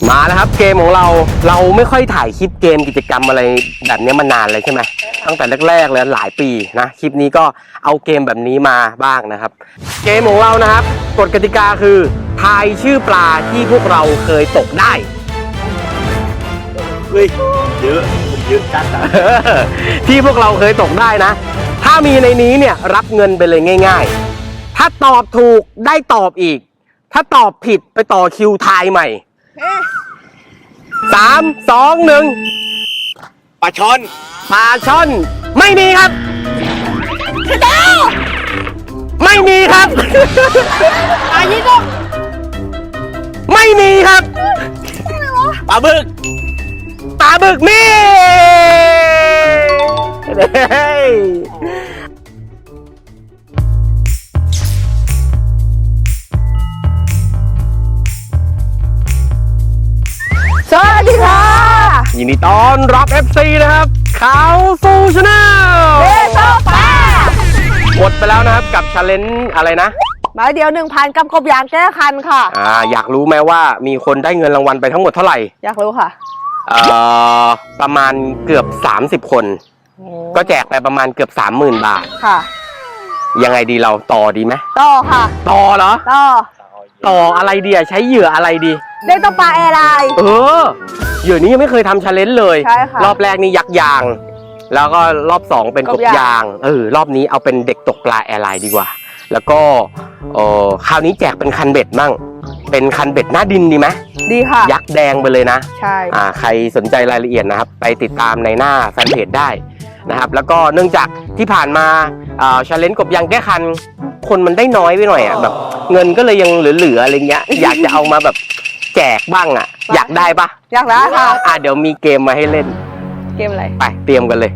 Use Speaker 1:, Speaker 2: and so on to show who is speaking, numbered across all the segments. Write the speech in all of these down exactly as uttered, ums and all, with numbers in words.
Speaker 1: มาแล้วครับเกมของเราเราไม่ค่อยถ่ายคลิปเกมกิจกรรมอะไรแบบนี้มานานเลยใช่ไหมตั้งแต่แรกๆเลยหลายปีนะคลิปนี้ก็เอาเกมแบบนี้มาบ้างนะครับเกมของเรานะครับกฎกติกาคือทายชื่อปลาที่พวกเราเคยตกได้
Speaker 2: เฮ้ยเยอะเยอะจัดอะ
Speaker 1: ที่พวกเราเคยตกได้นะถ้ามีในนี้เนี่ยรับเงินไปเลยง่ายๆถ้าตอบถูกได้ตอบอีกถ้าตอบผิดไปต่อคิวทายใหม่สามสองหนึ่ง
Speaker 2: ปลาช่อน
Speaker 1: ปลาช่อนไม่มีครับไม่มีครับ
Speaker 3: ปลายี่ก็
Speaker 1: ไม่มีครับ
Speaker 2: ปลาบึก
Speaker 1: ปลาบึกมี
Speaker 3: สวัสดีค่ะ
Speaker 1: ยินดีต้อนรับ เอฟ ซี นะครับเข้าสู่ช anel
Speaker 3: เบโซปลา
Speaker 1: หมดไปแล้วนะครับกับ challenge อะไรนะ
Speaker 3: หมายเดียว หนึ่งพัน กับกบยางแก้คันค่ะ
Speaker 1: อ่าอยากรู้ไหมว่ามีคนได้เงินรางวัลไปทั้งหมดเท่าไหร่
Speaker 3: อยากรู้ค่ะ
Speaker 1: เอ่อประมาณเกือบสามสิบคนก็แจกไปประมาณเกือบ สามหมื่น บาทค่ะยังไงดีเราต่อดีไหม
Speaker 3: ต่อค่ะ
Speaker 1: ต่อเหรอ
Speaker 3: ต่อ
Speaker 1: ต่ออะไรดีอะใช้เหยื่ออะไรดี
Speaker 3: เล่นตัวปลาแอร์ไลน์
Speaker 1: เออเหยื่อนี้ยังไม่เคยทำ challenge เลย
Speaker 3: ใช่ค่ะ
Speaker 1: รอบแรกนี่ยักษ์ยางแล้วก็รอบสองเป็นกบยางเออรอบนี้เอาเป็นเด็กตกปลาแอร์ไลน์ดีกว่าแล้วก็เออคราวนี้แจกเป็นคันเบ็ดมั่งเป็นคันเบ็ดหน้าดินดีไหม
Speaker 3: ดีค่ะ
Speaker 1: ยักษ์แดงไปเลยนะ
Speaker 3: ใช่
Speaker 1: อ่าใครสนใจรายละเอียดนะครับไปติดตามในหน้าแฟนเพจได้นะครับแล้วก็เนื่องจากที่ผ่านมาอ่า challenge กบยางแก้คันคนมันได้น้อยไปหน่อยอ่ะแบบเงินก็เลยยังเหลือๆอะไรเงี้ยอยากจะเอามาแบบแจกบ้างอ่ะอยากได้ปะ
Speaker 3: อยากได้ค่ะ
Speaker 1: อ่าเดี๋ยวมีเกมมาให้เล่น
Speaker 3: เกมอะไร
Speaker 1: ไปเตรียมกันเลย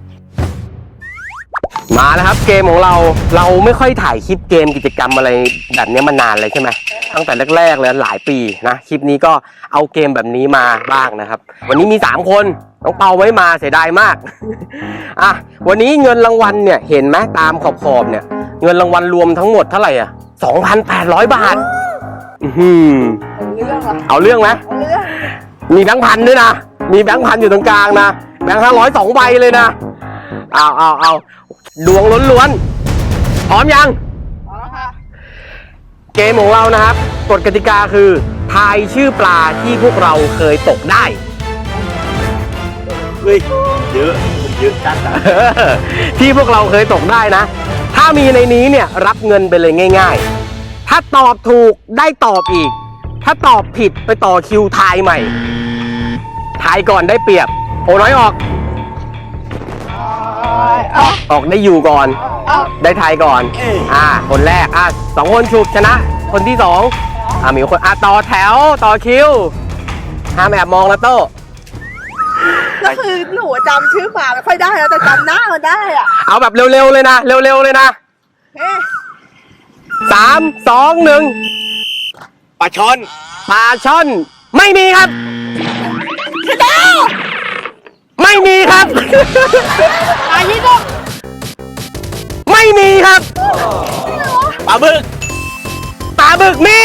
Speaker 1: มาแล้วครับเกมของเราเราไม่ค่อยถ่ายคลิปเกมกิจกรรมอะไรแบบนี้มานานเลยใช่ไหมตั้งแต่แรกๆเลยหลายปีนะคลิปนี้ก็เอาเกมแบบนี้มาบ้างนะครับวันนี้มีสามคนน้องเปาไว้มาเสียดายมากอ่ะวันนี้เงินรางวัลเนี่ยเห็นไหมตามขอบๆเนี่ยเงินรางวัลรวมทั้งหมดเท่าไหร่อ่ะ สองพันแปดร้อย บาทอืมเอาเรื่องไหมมีแบงค์พันด้วยนะมีแบงค์พันอยู่ตรงกลางนะแบงค์ห้าร้อยสองใบเลยนะเอาเอาเอาดวงล้วนๆพร้อมยังพร้อมค่ะเกมของเรานะครับกฎกติกาคือทายชื่อปลาที่พวกเราเคยตกได้
Speaker 2: เฮ้ยเยอะเยอะจัดอะ
Speaker 1: ที่พวกเราเคยตกได้นะถ้ามีในนี้เนี่ยรับเงินไปเลยง่ายๆถ้าตอบถูกได้ตอบอีกถ้าตอบผิดไปต่อคิวทายใหม่ทายก่อนได้เปรียบโอ้น้อยออกออกได้อยู่ก่อนได้ทายก่อนอ่าคนแรกอ่ะสองคนฉุกชนะคนที่สองอ่ามีคนอ่ะต่อแถวต่อคิวห้ามแอบมองนะโต้
Speaker 3: ก็คือหนูจำชื่อปลาไม่ค่อยได้แล้วแต่จำหน้ามันได้อ่ะ
Speaker 1: เอาแบบเร็วๆเลยนะเร็วๆเลยนะสามสองหนึ่ง
Speaker 2: ปลาช่อน
Speaker 1: ปลาช่อนไม่มีครับไม่มีครับ
Speaker 3: ปลายี่ก็
Speaker 1: ไม่มีครับ
Speaker 2: ปลาบึก
Speaker 1: ปลาบึกมี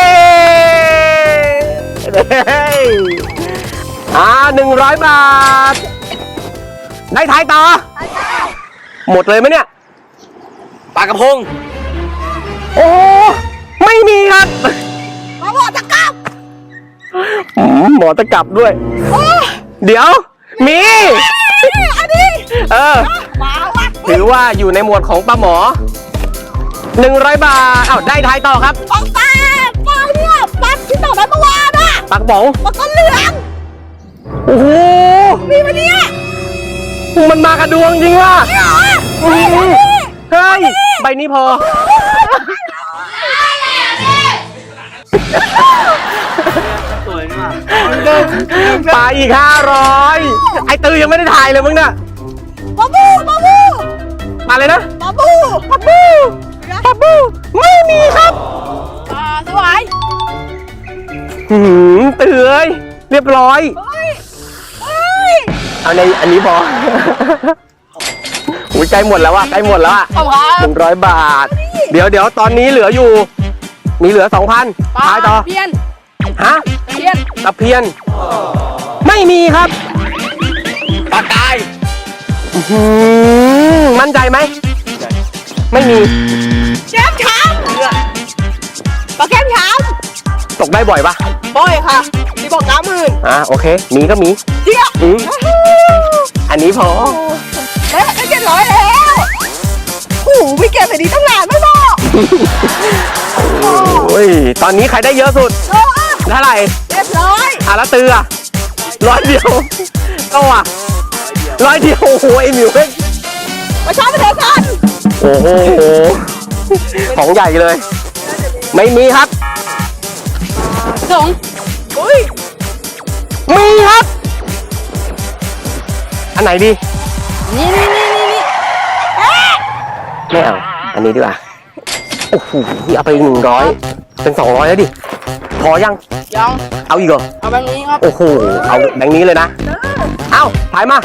Speaker 1: อ่าหนึ่งร้อยบาทได้ทายต่อหมดเลยไหมเนี่ย
Speaker 2: ปลากระพง
Speaker 1: โอ้ไม่มีครับ
Speaker 3: หมอตะกับ
Speaker 1: หมอตะกับด้วยเดี๋ยวมี
Speaker 3: อันนี้
Speaker 1: เออถือว่าอยู่ในหมวดของปลาหมอหนึ่งร้อยบาทอ้าวได้ทายต่อครับ
Speaker 3: ปลาปลาปลาเนี่ยปลาที่ต่อได้เมื่อวานอ่ะ
Speaker 1: ปลากระป๋อง
Speaker 3: ปลาก้นเหลือง
Speaker 1: โอ้โห
Speaker 3: มีมาเนี่ย
Speaker 1: มันมากระดวงจริงว่ะเฮ้ยใบนี้พอ
Speaker 2: สวยมาก
Speaker 1: ปลาอีกห้าร้อยไอตือยังไม่ได้ถ่ายเลยมึงเนี่ย
Speaker 3: ปลาบูปลาบู
Speaker 1: มาเลยนะ
Speaker 3: ปลาบู
Speaker 1: ปลาบูปลาบูไม่มีครับ
Speaker 3: ปลาสวาย
Speaker 1: หืมเตือยเรียบร้อยเอาในอันนี้พออุ้ยใกล้หมดแล้วว่ะใกล้หมดแล้วอ่ะหนึ่งร้อยบาทเดี๋ยวเดี๋ยวตอนนี้เหลืออยู่มีเหลือสองพันทายต่อ
Speaker 3: เพียน
Speaker 1: ฮะ
Speaker 3: เพี้ยน
Speaker 1: ตะเพียน ไม่มีครับ
Speaker 2: ปลากาย
Speaker 1: อื้อหือมั่นใจไหม ไม่มี
Speaker 3: แก้มช้ำปลาแก้มช้
Speaker 1: ตกได้บ่อยปะ
Speaker 3: ำบ่อยค่ะที่บอกน้ำหมื่น
Speaker 1: อ่ะโอเค มีก็มี
Speaker 3: เจี๊ยบ
Speaker 1: อืมอันนี้พอ
Speaker 3: เฮ้ยได้เจ็ดร้อยแล้วโอ้โหไม่เก็บแบบนี้ตั้งนานไม่บอก
Speaker 1: โอ้ย ตอนนี้ใครได้เยอะสุด
Speaker 3: โอ้
Speaker 1: เท่าไหร่
Speaker 3: เจ็ดร้อย
Speaker 1: อ่ะแล้วตืออ่ะร้อยเดียวก็อ่ะร้อยเดียว โอ้โหไอหมิวเว้ย
Speaker 3: มาช้อนไปเถอะกัน
Speaker 1: โอ้โห ของใหญ่เลย ไม่มีครับ
Speaker 3: สองอุ้ย
Speaker 1: มีครับ อันไหนดี
Speaker 3: นี่นี่นี่นี่นี่
Speaker 1: ไม่เอา อันนี้ดีกว่า โอ้โห เอาไปอีกหนึ่งร้อย เป็นสองร้อยแล้วดิ พอยัง
Speaker 3: ยัง
Speaker 1: เอาอีกเหรอ
Speaker 3: เอาแบบนี้ครับ
Speaker 1: โอ้โห เอาแบงค์นี้เลยนะ เอาถ่ายมา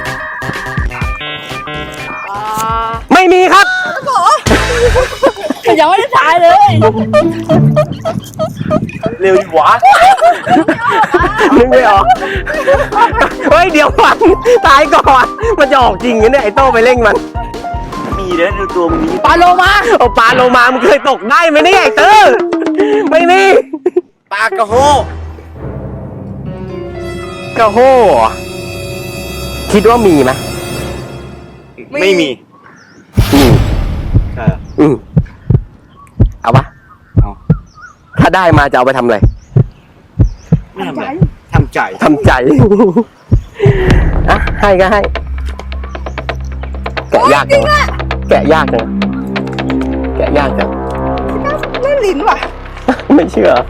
Speaker 3: อ่า
Speaker 1: ไม่มีครับ
Speaker 3: โอ้ยังไม่ได้ถ่ายเลย
Speaker 2: เร็วดีวะ
Speaker 1: นึกไม่ออก เฮ้ย เดี๋ยวก่อนตายก่อน มันจะออกจริงเนี่ยไอ้โต้ไปเร่งมัน
Speaker 2: มีเด้อดูตัวมึงนี้
Speaker 3: ปลาโลมา
Speaker 1: เอาปลาโลมามันเคยตกได้ไหมเนี่ยไอ้เต้อไม่มี
Speaker 2: ปลากระโฮ
Speaker 1: กระโห่เหรอคิดว่ามีไหม
Speaker 2: ไม่มี
Speaker 1: มี
Speaker 2: ใช่
Speaker 1: อืมเอาปะ
Speaker 2: เอา
Speaker 1: ถ้าได้มาจะเอาไปทำอะไร
Speaker 2: ไม่ทำอะไรทำใจ
Speaker 1: ทำใจ อ่ะ ให้ก็ให้ แกะยากจังวะแกะยากจังแกะยากจัง
Speaker 3: เล่นลิ้นว่ะ
Speaker 1: ไม่เชื่อ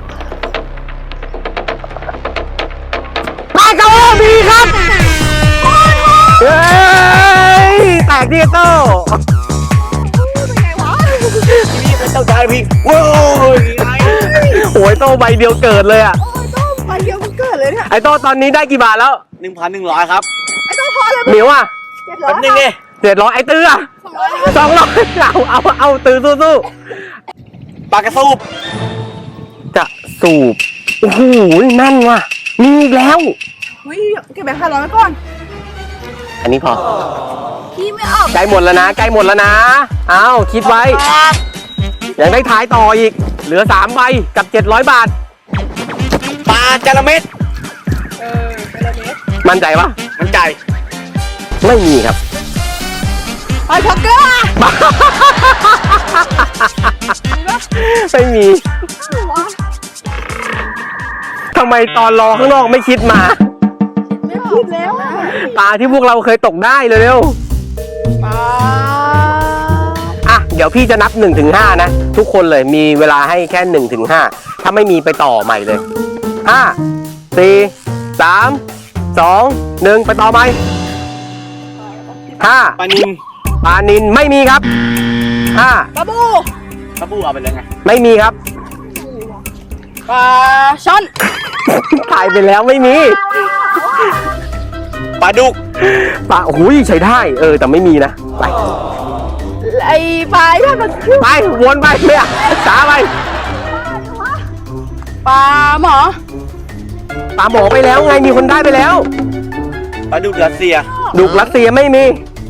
Speaker 1: ปลากระโห่มีครับเฮ้ย แตกดิโต้
Speaker 3: เป็นไงวะ
Speaker 2: พี่เป็นเจ้าชายพี่ว้าวนี่ไง
Speaker 1: โอ้ยโต้ใบเดียวเกิดเลยอ่ะ
Speaker 3: โอ้ยต้มไปเดียวมันเกิดเลยเนี่ย
Speaker 1: ไอ้โต้ตอนนี้ได้กี่บาทแล้ว
Speaker 2: หนึ่งพันหนึ่งร้อยครับ
Speaker 3: ไอ้ต้องพอเลย
Speaker 1: หมิวอ่ะ
Speaker 3: เจ็ดร้อ
Speaker 2: แป๊
Speaker 3: ย
Speaker 2: บนึงดิ
Speaker 1: เจ็ดร้อยไอ้ตื้ออ่ะ
Speaker 3: สองร้อย
Speaker 1: สองร้อยเอาเอาเอาตื้อสู้
Speaker 2: ปลากระสูบ
Speaker 1: ๆจะสูบ โอ้โหนั่นว่ะ มีอีกแล้ว
Speaker 3: อุ้ยเก็บแบงค์ห้าร้อยไว้ก่อน
Speaker 1: อันนี้พอ
Speaker 3: พี่ไม่ออก
Speaker 1: ใกล้หมดแล้วนะใกล้หมดแล้วนะ เอาคิดไว้ ยังได้ท้ายต่ออีก เหลือสามใบกับเจ็ดร้อยบาท
Speaker 2: ปลาจระเม็ด
Speaker 3: เออเป็นอะไรเนี่ย
Speaker 1: มั่นใจปะ
Speaker 2: มันใจ
Speaker 1: ไม่มีครับ
Speaker 3: ไปช็อกเกอร์อะ
Speaker 1: ไม่มี
Speaker 3: วะ
Speaker 1: ทำไมตอนรอข้างนอกไม่คิดมา
Speaker 3: ไม่คิดแล้วอะ
Speaker 1: ปลาที่พวกเราเคยตกได้เร็ว
Speaker 3: ปลา
Speaker 1: ๆอ่ะ เดี๋ยวพี่จะนับหนึ่งถึงห้านะ ทุกคนเลยมีเวลาให้แค่หนึ่งถึงห้าถ้าไม่มีไปต่อใหม่เลยห้าสี่สามสองหนึ่งไปต่อใหม่ห้า
Speaker 2: ปลานิน
Speaker 1: ปลานินไม่มีครับห้า
Speaker 3: ปลาบู
Speaker 2: ปลาบูเอาไปแล้วไง
Speaker 1: ไม่มีครับ
Speaker 3: ปลาช่อน
Speaker 1: ถ่ายไปแล้วไม่มี
Speaker 2: ปลาดุก
Speaker 1: ปลาโอ้โหใช้ได้ เออ แต่ไม่มีนะ ไป
Speaker 3: ไอ้ปลาที่มันชื่อ
Speaker 1: ไป วนไปไม่อ่ะช้าไป
Speaker 3: ปลาหมอ
Speaker 1: ปลาหมอไปแล้วไง มีคนได้ไปแล้ว
Speaker 2: ปลาดุกรัสเซีย
Speaker 1: ดุกรัสเซียไม่มี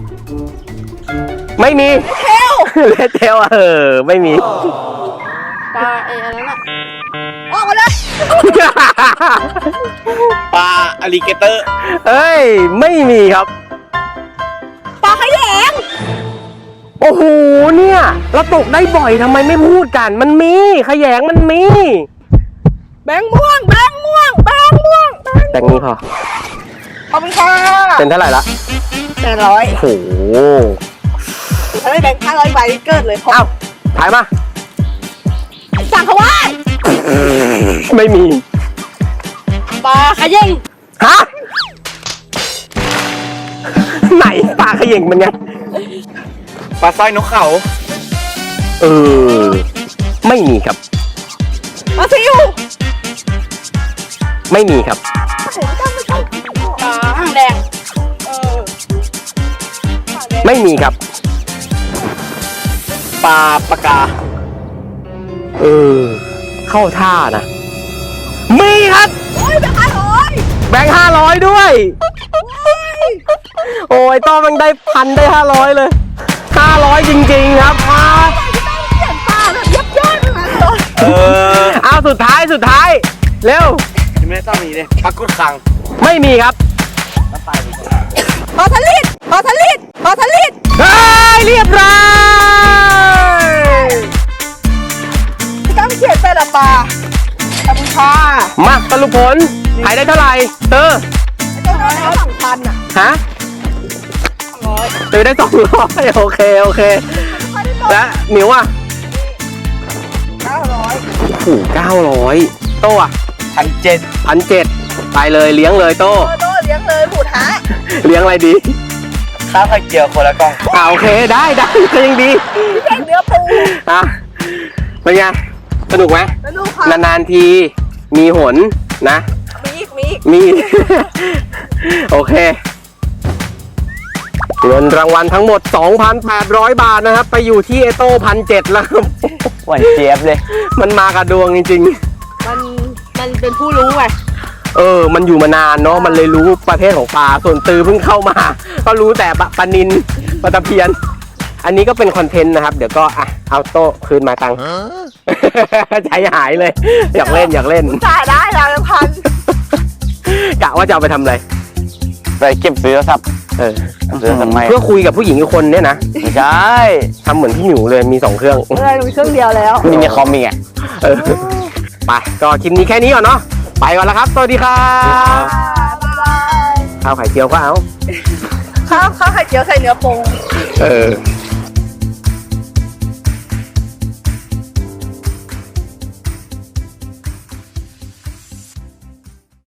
Speaker 1: ไม่มี
Speaker 3: เทล
Speaker 1: เลดเทลเออ ไม่มี
Speaker 3: ปลาไอ้อันนั้นอะออกมาเลย
Speaker 2: ปลาอลิเกเตอร์
Speaker 1: เอ้ย ไม่มีครับ
Speaker 3: ปลาขยง
Speaker 1: โอ้โห เนี่ย เราตกได้บ่อยทำไมไม่พูดกัน มันมี ขยงมันมี
Speaker 3: แบงค์ม่วงแบงค์ม่วงแบงค์ม่วง
Speaker 1: แต่งนี้พอ
Speaker 3: ขอบคุณค่ะ
Speaker 1: เป็นเท่าไหร่ละ
Speaker 3: แปดร้อย
Speaker 1: โอ้โห
Speaker 3: ถ้าได้แบงค์ห้าร้อยใบเกิดเลยเพราะ
Speaker 1: เอ้า ถ่ายมา
Speaker 3: สั่งเขาว่า
Speaker 1: ไม่มี
Speaker 3: ปลาขยง
Speaker 1: ฮะ ไหนปลาขย่งมันไง
Speaker 2: ปลาสร้อยนกเขา
Speaker 1: เออ ไม่มีครับ
Speaker 3: ปลาซิว
Speaker 1: ไม่มีครับ
Speaker 3: ปลาหางแดงเออ
Speaker 1: ไม่มีครับ
Speaker 2: ปลาปากกา
Speaker 1: เออ เข้าท่านะ มีครับ
Speaker 3: โอ้ยแบงค์ห้าร้อย
Speaker 1: แบงค์ห้าร้อยด้วย โอ้ยต้อมันได้พันได้ห้าร้อยเลยห้าร้อยจริงๆครับมา
Speaker 3: เขียนปลาแบบยับยอดทั้งนั้นเลย
Speaker 2: เออ
Speaker 1: เอาสุดท้ายสุดท้าย เร็ว
Speaker 2: ยังไม่ได้ต้องมีเลยพักกุดคัง
Speaker 1: ไม่มีครับ
Speaker 3: พอทลิดพอทลิดพอทลิด
Speaker 1: เฮ้ยเรียบร้อย
Speaker 3: ต้องเขียนแต่ละปลาขอบคุณค่ะ
Speaker 1: มาสรุปผลขายได้เท่าไหร่เตอร์
Speaker 3: ไอ้ตัวนั้นสองพันอ่ะ
Speaker 1: ฮะ
Speaker 3: ร้อย
Speaker 1: เตอร์ได้สองร้อยโอเคโอเค
Speaker 3: ไม่ได้ลด
Speaker 1: และหมิวอ่ะ
Speaker 3: เก้าร้อย
Speaker 1: โอ้โหเก้าร้อยโต้อะ
Speaker 2: พันเจ็ด
Speaker 1: พันเจ็ดไปเลยเลี้ยงเลยโต้
Speaker 3: โตโตเลี้ยงเลยหูท้า
Speaker 1: เลี้ยงอะไรดี
Speaker 2: ข้าวไข่เจียวคนละกล่อง
Speaker 1: อ่าโอเคได้ได้ก็ยังดี
Speaker 3: พี่แข่งเนื้อปู
Speaker 1: อ่ะเป็นไงสนุกไหม
Speaker 3: แล้วลูกค่ะ
Speaker 1: นานๆทีมีหนนะ
Speaker 3: มีอีกมีอีก
Speaker 1: มี โอเคเงินรางวัลทั้งหมด สองพันแปดร้อย บาทนะครับ ไปอยู่ที่เอโต้พันเจ็ดแล้วครับ
Speaker 2: หวานเจี๊ยบเลย
Speaker 1: มันมากับดวงจริง
Speaker 3: มันมันเป็นผู้รู้ไง
Speaker 1: ๆ เออ มันอยู่มานานเนาะมันเลยรู้ประเภทของปลาส่วนตือเพิ่งเข้ามา ก็รู้แต่ปลาปลานินปลาตะเพียน อันนี้ก็เป็นคอนเทนต์นะครับ เดี๋ยวก็อ่ะเอาโต้คืนมาตังค์ ใจหายเลย อยากเล่นอยากเล่น
Speaker 3: จ่ายได้แล้วพัน
Speaker 1: กะว่าจะเอาไปทำอะไร
Speaker 2: ไปเก็บซื้อครับ
Speaker 1: เออ
Speaker 2: ซื้อทำไม
Speaker 1: เพื่อคุยกับผู้หญิงอีกคนเนี่ยนะ
Speaker 2: ไม่ใช่
Speaker 1: ทำเหมือนพี่หมิวเลยมีสองเครื่อง
Speaker 3: เออมีเครื่องเดียวแล้ว
Speaker 2: มีในคอมมีไง
Speaker 1: เออไปก็คลิปนี้แค่นี้ก่อนเนาะไปก่อนแล้วครับสวัสดีครับ
Speaker 3: บ๊ายบาย
Speaker 1: ข้าวไข่เจียวก็เอา
Speaker 3: ข้าวข้าวไข่เจียวใส่เนื้อปู
Speaker 1: เออ